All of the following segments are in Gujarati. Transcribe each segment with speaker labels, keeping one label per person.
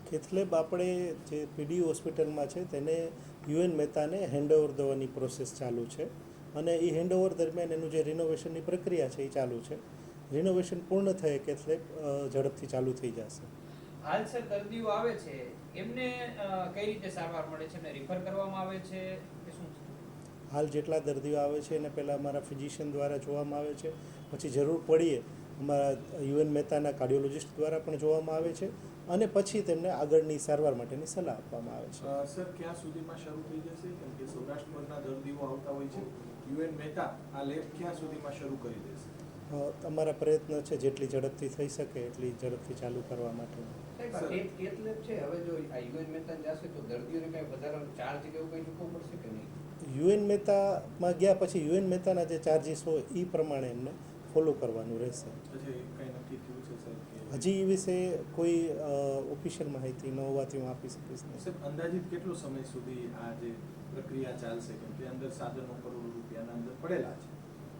Speaker 1: કેથલેબ આપણે જે પીડી હોસ્પિટલમાં છે તેને યુએન મહેતાને હેન્ડઓવર દેવાની પ્રોસેસ ચાલુ છે અને એ હેન્ડઓવર દરમિયાન એનું જે રિનોવેશનની પ્રક્રિયા છે એ ચાલુ છે. રિનોવેશન પૂર્ણ થયે કેથલેબ ઝડપથી ચાલુ થઈ જશે.
Speaker 2: હાલ સર દર્દીઓ આવે છે એમને કઈ રીતે સારવાર મળે છે, એમને રિફર કરવામાં આવે છે કે શું છે?
Speaker 1: હાલ જેટલા દર્દીઓ આવે છે એને પહેલાં અમારા ફિઝિશિયન દ્વારા જોવામાં આવે છે, પછી જરૂર પડીએ અમારા યુએન મહેતાના કાર્ડિયોલોજિસ્ટ દ્વારા પણ જોવામાં આવે છે અને પછી તેમને આગળની સારવાર માટેની સલાહ આપવામાં આવે છે.
Speaker 3: સર ક્યાં સુધીમાં શરૂ થઈ જશે? કેમ કે સૌરાષ્ટ્રના દર્દીઓ આવતા હોય છે, યુએન મહેતા આ લેબ ક્યાં સુધીમાં શરૂ કરી દેશે?
Speaker 1: અમારા પ્રયત્ન છે જેટલી ઝડપથી થઈ શકે એટલી ઝડપથી ચાલુ કરવા માટે.
Speaker 4: કેથલેબ છે હવે જો આ યુએન મહેતા જશે તો દર્દીઓને કઈ વધારાનો ચાર્જ કે એવું કઈ ચૂકવવું પડશે કે નહીં?
Speaker 1: યુએન મહેતામાં ગયા પછી યુએન મહેતાના જે ચાર્જિસ હોય એ પ્રમાણે એમને ફોલો કરવાનું રહેશે.
Speaker 3: કંઈ નક્કી થયું છે સર?
Speaker 1: હજી એ વિશે કોઈ ઓફિશિયલ માહિતી ન હોવાથી હું આપી શકીશ નહીં.
Speaker 3: સર અંદાજિત કેટલો સમય સુધી આ જે પ્રક્રિયા ચાલશે? કેમ કે અંદર સાધનો કરોડો રૂપિયાના અંદર પડેલા છે.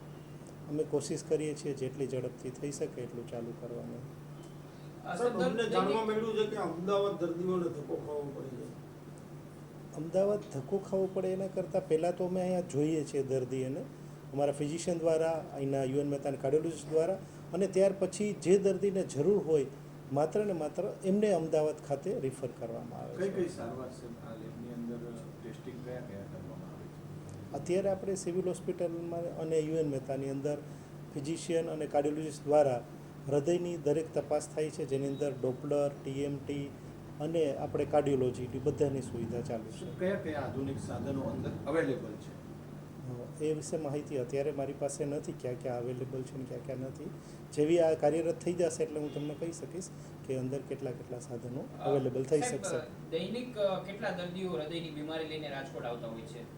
Speaker 1: અમે કોશિશ કરીએ છીએ જેટલી ઝડપથી થઈ શકે એટલું ચાલુ કરવાનું.
Speaker 5: અમને જાણવા મળ્યું છે કે અમદાવાદ દર્દીઓને ધક્કો ખાવો પડે છે.
Speaker 1: અમદાવાદ ધક્કો ખાવો પડે એના કરતાં પહેલાં તો અમે અહીંયા જોઈએ છીએ દર્દીઓને અમારા ફિઝિશિયન દ્વારા, અહીંના યુએન મહેતાના કાર્ડિયોલોજિસ્ટ દ્વારા, અને ત્યાર પછી જે દર્દીને જરૂર હોય માત્ર ને માત્ર એમને અમદાવાદ ખાતે રિફર કરવામાં આવે છે.
Speaker 3: કઈ સારવાર છે આ લેબની અંદર? ટેસ્ટિંગ કયા કરવામાં આવે છે?
Speaker 1: અત્યારે આપણે સિવિલ હોસ્પિટલમાં અને યુએન મહેતાની અંદર ફિઝિશિયન અને કાર્ડિયોલોજિસ્ટ દ્વારા હૃદયની દરેક તપાસ થાય છે, જેની અંદર ડોપલર, ટીએમટી અને આપણે કાર્ડિયોલોજી બધાની સુવિધા ચાલુ છે.
Speaker 3: કયા કયા આધુનિક સાધનો અંદર અવેલેબલ છે?
Speaker 1: એ વિશે માહિતી અત્યારે મારી પાસે નથી, ક્યાં ક્યાં અવેલેબલ છે ને ક્યાં ક્યાં નથી. જેવી આ કાર્યરત થઈ જશે એટલે હું તમને કહી શકીશ કે અંદર કેટલા કેટલા સાધનો અવેલેબલ થઈ શકશે.
Speaker 2: દૈનિક કેટલા દર્દીઓ હૃદયની બીમારી લઈને રાજકોટ આવતા હોય છે?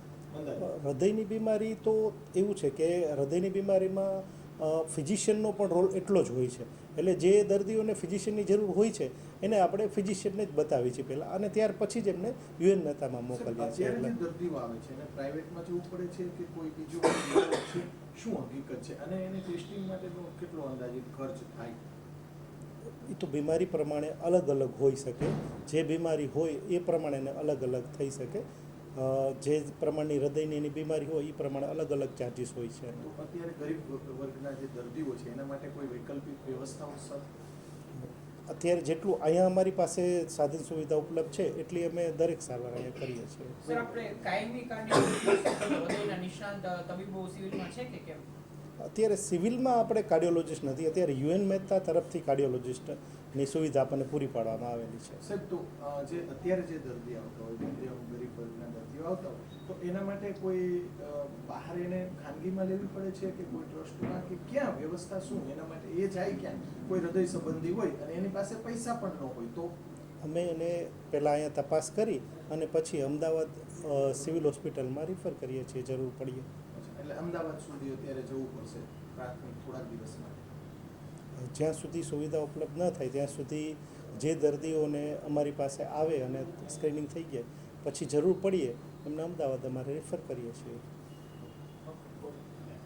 Speaker 1: હૃદયની બીમારી તો એવું છે કે હૃદયની બીમારીમાં ફિઝિશિયનનો પણ રોલ એટલો જ હોય છે. એટલે જે દર્દીઓને ફિઝિશિયનની જરૂર હોય છે એને આપણે ફિઝિશિયનને જ બતાવીએ છીએ પહેલાં, અને ત્યાર પછી જ એમને યુએન મહેતામાં મોકલીએ છીએ.
Speaker 3: એટલે દર્દીઓ આવે છે અને પ્રાઇવેટમાં જવું પડે છે કે કોઈ બીજું છે, શું હકીકત છે, અને એને ટેસ્ટિંગ માટેનો કેટલો અંદાજિત ખર્ચ થાય?
Speaker 1: એ તો બીમારી પ્રમાણે અલગ અલગ હોઈ શકે. જે બીમારી હોય એ પ્રમાણે એને અલગ અલગ થઈ શકે. જે પ્રમાણની હૃદયની એની બીમારી હોય એ પ્રમાણે અલગ અલગ ચાર્જીસ હોય છે.
Speaker 3: તો અત્યારે ગરીબ વર્ગના જે દર્દીઓ છે એના માટે કોઈ વૈકલ્પિક વ્યવસ્થાઓ સર?
Speaker 1: અત્યારે જેટલું અહીંયા અમારી પાસે સાધન સુવિધા ઉપલબ્ધ છે એટલી અમે દરેક સારવાર અહીંયા કરીએ છીએ.
Speaker 2: સર આપણે કાયમી હૃદયના નિષ્ણાંત તબીબો સિવિલમાં છે કે કેમ?
Speaker 1: અત્યારે સિવિલમાં આપણે કાર્ડિયોલોજિસ્ટ નથી, અત્યારે યુએન મહેતા તરફથી કાર્ડિયોલોજિસ્ટની સુવિધા આપણને પૂરી પાડવામાં આવેલી છે.
Speaker 3: સાહેબ, તો જે અત્યારે જે દર્દી આવતા હોય, ગરીબ વર્ગના દર્દીઓ આવતા હોય, તો એના માટે કોઈ બહાર એને ખાનગીમાં લેવી પડે છે કે કોઈ ટ્રસ્ટમાં, કે ક્યાં વ્યવસ્થા શું એના માટે? એ જાય ક્યાં? કોઈ હૃદય સંબંધી હોય અને એની પાસે પૈસા પણ ન હોય તો?
Speaker 1: અમે એને પહેલાં અહીંયા તપાસ કરી અને પછી અમદાવાદ સિવિલ હોસ્પિટલમાં રિફર કરીએ છીએ જરૂર પડીએ.
Speaker 3: એટલે અમદાવાદ સુધી અત્યારે જવું પડશે પ્રાથમિક થોડાક દિવસ માટે?
Speaker 1: જ્યાં સુધી સુવિધા ઉપલબ્ધ ન થાય ત્યાં સુધી જે દર્દીઓને અમારી પાસે આવે અને સ્ક્રીનિંગ થઈ જાય પછી જરૂર પડીએ એમને અમદાવાદ અમારે રિફર કરીએ છીએ.